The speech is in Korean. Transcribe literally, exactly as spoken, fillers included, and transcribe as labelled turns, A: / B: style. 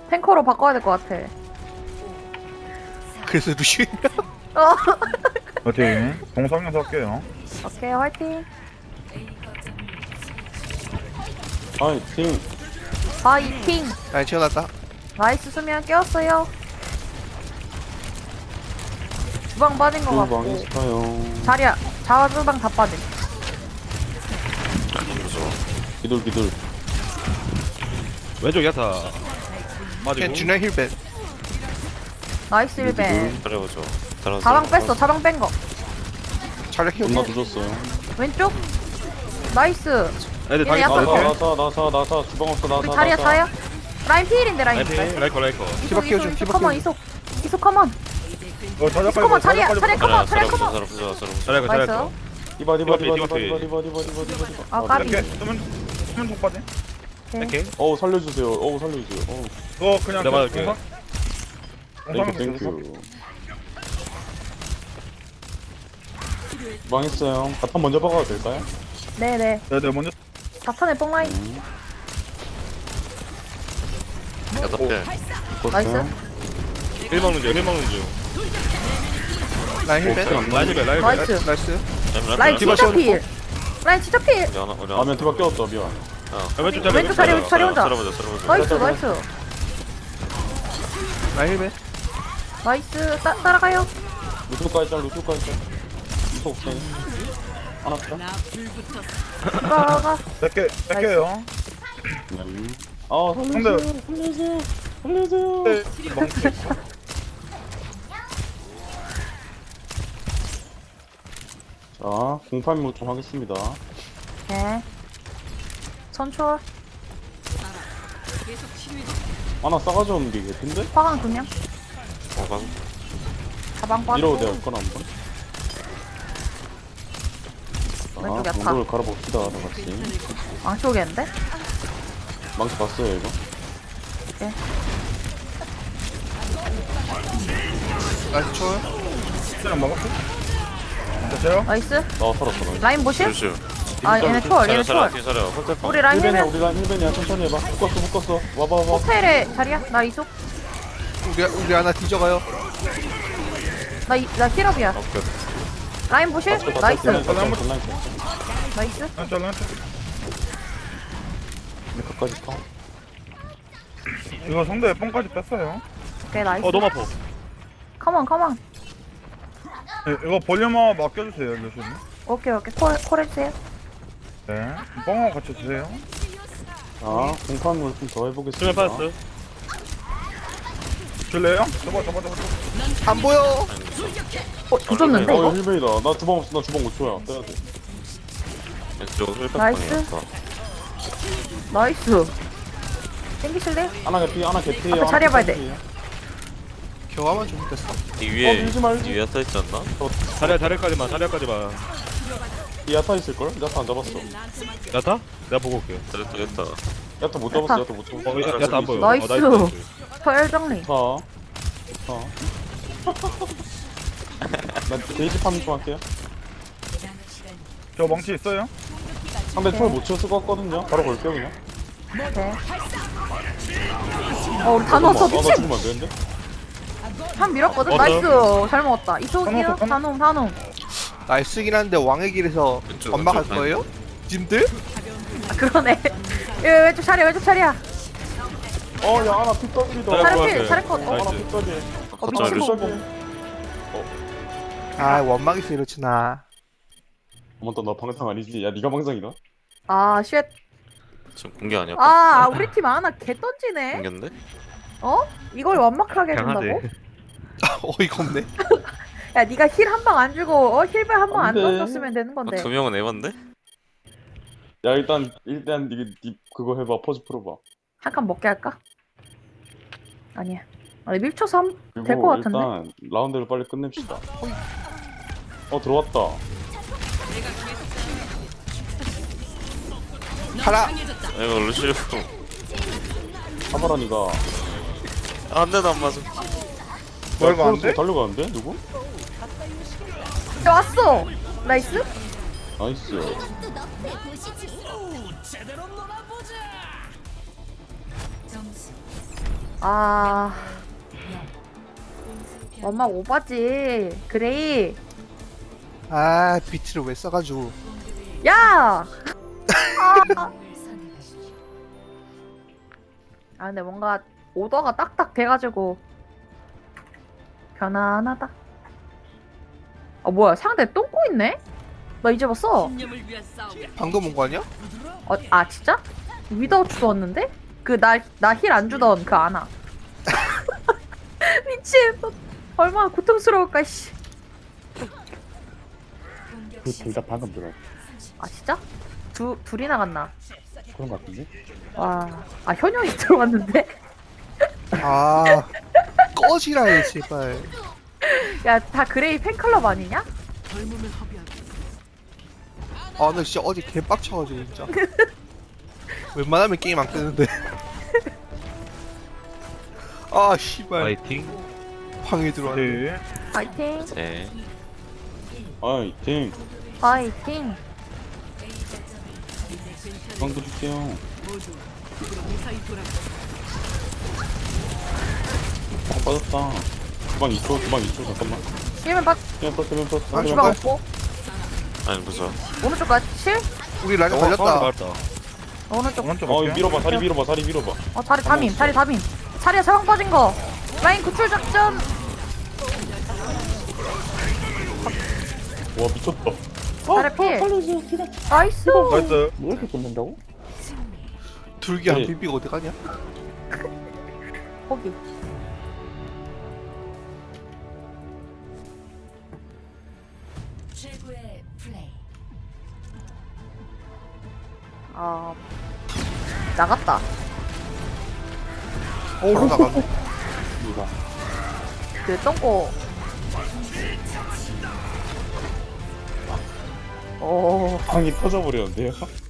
A: 탱커로 바꿔야 될 것 같아.
B: 그래서 루시오
A: 어.
C: 화이팅. 공성에서 할게요.
A: 오케이 화이팅.
D: 아이 팀
A: 파이팅.
B: 라인 채워놨다.
A: 나이스 수면 깨웠어요. 주방 빠진 것
D: 주방
A: 같고.
D: 있어요.
A: 자리야. 자주방 다 빠짐.
D: 기둘 기둘.
E: 왼쪽 야타
B: 캔
E: 맞이고
B: 준영 힐벤.
A: 나이스 일벤.
F: 잘해보죠. 잘하세요.
A: 자방 뺐어. 자방 뺀 거.
B: 전략 힐.
D: 존나 늦었어요.
A: 왼쪽. 나이스.
E: 애들 다
A: 얘네
E: 있어.
A: 약간-
D: 나사 나사 나사 나사 주방 없어 나사
A: 우리 자리야
D: 나사.
A: 자요. 라인 피일인데 라인.
E: 라이피
A: 나이스.
E: 라이커 라이커
A: 이속
B: 디바 키워줘,
A: 이속
B: 디바
A: 이속 커먼
B: 키워줘.
A: 이속. 이속 커먼.
C: 어, 자리야,
A: 이속 커먼 자리야.
C: 빨리
A: 자리야
C: 빨리
A: 커먼. 자리야
F: 잘해보죠.
A: 커먼.
F: 잘해보죠. 잘해보죠.
E: 잘해커
A: 나이스.
E: 잘해커
D: 디바 디바 디바
E: 디바
D: 디바
E: 피.
D: 디바 디바 디바 디바 디바 디바.
A: 아 까비.
C: 이렇게 쓰면 쓰면 çok 빠지.
E: 오케이
D: 어우 살려주세요. 어우 살려주세요. 어우
C: 그거 그냥
E: 내가 맞을게.
C: 공성.
D: 땡큐
C: 공성에서
D: 땡큐. 망했어요. 바텀 먼저 박아도 될까요?
A: 네네.
C: 네, 네, 먼저.
A: 자탄의 뽕라인.
F: 여섯 개.
D: 컸어요.
E: 힐 먹는 중 힐 먹는 중
B: 라인 힐벤.
E: 라인 힐 라인
A: 나이스.
B: 나이스.
A: 라인
B: 디바
A: 진짜
B: 씌워놓고.
A: 필. 라인 진짜 필.
F: 우리 하나 우리 하나.
D: 아면 디바 껴왔다 미안.
E: 왼쪽 자리
A: 왼쪽 자리 왼쪽 자리 혼자.
F: 잘해보죠. 잘해보죠.
A: 나이스 나이스.
B: 라인 힐벤.
A: 나이스. 따, 따라가요.
D: 루트까지 짤 루트까지 짤. 루트 없어요. 하나 짤.
A: 따라가.
C: 뺄게 뺄게요.
D: 아
C: 근데
D: 살려주세요. 살려주세요.
C: 네, 멍치.
D: 자 공팔무 좀 하겠습니다.
A: 네. 선초.
D: 하나 싸가지 없는 게 개핀데?
A: 화강 두 명.
F: 어, 방.
A: 가방
D: 이러고
A: 빠지고.
D: 내가 거나 한번.
A: 왼쪽
D: 자
A: 야타.
D: 공돌 갈아봅시다 다 같이.
A: 왕초겠는데?
D: 망치 봤어요 이거?
B: 나이스 초월.
C: 그냥 먹었어. 됐어요?
A: 나이스.
D: 나 살았어 나.
A: 라인 보실?
F: 루시오.
A: 아 얘네 초월 얘네
F: 잘해
A: 초월.
F: 잘해 잘해. 홀대
A: 우리 라인
D: 힐벤이야
A: 힐벤.
D: 우리 라인 힐벤이야 천천히 해봐. 묶었어 묶었어. 와봐 와봐.
A: 호텔에 자리야? 나 이속.
B: 우리 우리 하나 뒤져가요.
A: 나, 이, 나 힐업이야.
F: 오케이.
A: 라인 보실? 나이스.
D: 라인
A: 나이스.
C: 한 짤, 한 짤.
D: 끝까지 타.
C: 이거 상대 뽕까지 뺐어요.
A: 오케이 나이스.
E: 어 너무 아파
A: 컴온 컴온.
C: 네, 이거 볼륨업 맡겨주세요, 루시님.
A: 오케이 오케이 콜, 콜 해주세요.
C: 네, 뽕하고 같이 주세요.
D: 자 공판물 좀 더
E: 수면
D: 해보겠습니다.
E: 빠졌어
C: 줄래요? 잡아, 잡아, 잡아.
B: 안 보여.
A: 어 조졌는데
D: 어
A: 이거?
D: 이거 힐벤이다. 나 주방 없어 나 주방 오 초야. 빼야 돼.
F: 왼쪽 힐백
A: 나이스.
F: 방이었다.
A: 나이스. 땡기실래요?
D: 하나 개피 하나 개피.
A: 앞에 자리 해봐야 돼.
B: 교화만 좀 됐어.
F: 이
D: 어,
F: 위에
D: 밀지 말지.
F: 이 위에 서 있지 않나?
E: 자리야 자리까지만 자리까지만
D: 이 야타 있을걸? 야타 안 잡았어.
E: 야타? 내가 보고 올게
F: 됐다 됐다.
D: 야타 못 잡았어 야타 못 잡았어.
E: 어 야- 야타 안 보여
A: 나이스.
E: 어, 나이스
A: 서열 정리.
D: 자. 자. 나 데이지 파밍 좀 할게요.
C: 저 멍치 있어요?
D: 상대 초월 못 치웠을 것 같거든요. 바로 걸게요 그냥.
A: 네. 어 우리 다 넣었어
D: 아, 나
A: 미친.
D: 죽으면 안 되는데?
A: 한 밀었거든.
E: 어,
A: 나이스. 잘 먹었다. 이속이요.
C: 한번 더,
A: 단홍 단홍.
B: 나이스긴 한데 왕의 길에서
F: 왼쪽,
B: 완막할
F: 왼쪽.
B: 거예요? 님들?
A: 아 그러네. 예, 왼쪽 자리야 왼쪽 자리야.
D: 어, 야, 하나 핏떡이다.
E: 네,
A: 차례
E: 뭐
A: 필
E: 할게.
A: 차례 컷. 어?
D: 하나
E: 나이스.
D: 핏떡이.
A: 어
F: 걷자,
A: 미친.
F: 루시오.
B: 아 원막에서 이렇지나.
D: 어머, 너 방상 아니지? 야, 네가 방상이다?
A: 아 쉣.
F: 지금 공개 아니야?
A: 아 우리 팀 하나 개 던지네.
F: 공개인데?
A: 어? 이걸 완막하게 해준다고?
E: 강하네
B: 어이가 없네.
A: 야 네가 힐 한 방 안 주고 어 힐벨 한 방 안
D: 안 돼.
A: 던졌으면 되는 건데.
F: 아, 두 명은 에반데?
D: 야, 일단, 일단, 니, 니 그거 해봐. 퍼즈 풀어봐.
A: 한 칸 먹게 할까? 아니야. 아니 밀쳐서 한...
D: 그리고
A: 될 것 같은데?
D: 일단, 라운드를 빨리 끝냅시다. 어, 들어왔다.
B: 하나.
F: 아, 이거 루시오.
D: 하바라니가.
F: 아, 한 대도 안 맞아.
C: 뭐 이거 안
D: 프로스
C: 돼?
D: 달려가는데? 누구?
A: 야, 왔어! 나이스?
D: 나이스.
A: 아 엄마 오바지 그레이.
B: 아 비트를 왜 써가지고.
A: 야! 아. 아 근데 뭔가 오더가 딱딱 돼가지고 편안하다. 아 뭐야 상대 똥꼬 있네? 나 이제 봤어.
B: 방금 온 거 아니야?
A: 어, 아 진짜? 위더 주웠는데? 그 나 나 힐 안 주던 그 아나. 미친. 얼마나 고통스러울까 씨.
G: 그 둘 다 방금 들어.
A: 아 진짜? 두 둘이 나갔나?
G: 그런 거 같은데?
A: 와. 아 현영이 들어왔는데?
B: 아 꺼지라 해 제발.
A: 야 다 그레이 팬클럽 아니냐?
B: 아 나 진짜 어제 개빡쳐가지고 진짜. 웬만하면 게임 안 끄는데. 아 씨발
E: 파이팅.
B: 방에 들어왔네.
C: 네.
A: 파이팅.
F: 네.
D: 아이 팀
A: 파이팅.
D: 방도 줄게요. 아 빠졌다. 주방 이 초 주방 이 초 잠깐만.
A: 힐맨 받.
D: 그냥 떴어 그냥 떴어.
B: 아,
D: 그냥
A: 주방
B: 정말?
A: 없고.
F: 아니 무서.
A: 오른쪽 가 칠?
B: 우리 라인
E: 어,
B: 걸렸다.
E: 맞다.
A: 오른쪽.
C: 오른쪽
D: 어
C: 갈게요.
D: 밀어봐 다리 밀어봐 다리 밀어봐.
A: 어 다리 담임 다리 담임. 자리에 서방 빠진 거. 라인 구출 작전.
D: 와 미쳤다.
A: 다리 필. 나이스.
C: 나이스.
G: 뭐 이렇게 끊는다고?
B: 둘기 안
D: 네.
B: 비비고 어디 가냐?
A: 거기.
H: 최고의 플레이.
A: 아 나갔다.
B: 바로 나갔네.
G: 누가?
A: 그 똥꼬. 오.
D: 방이 터져버렸는데요?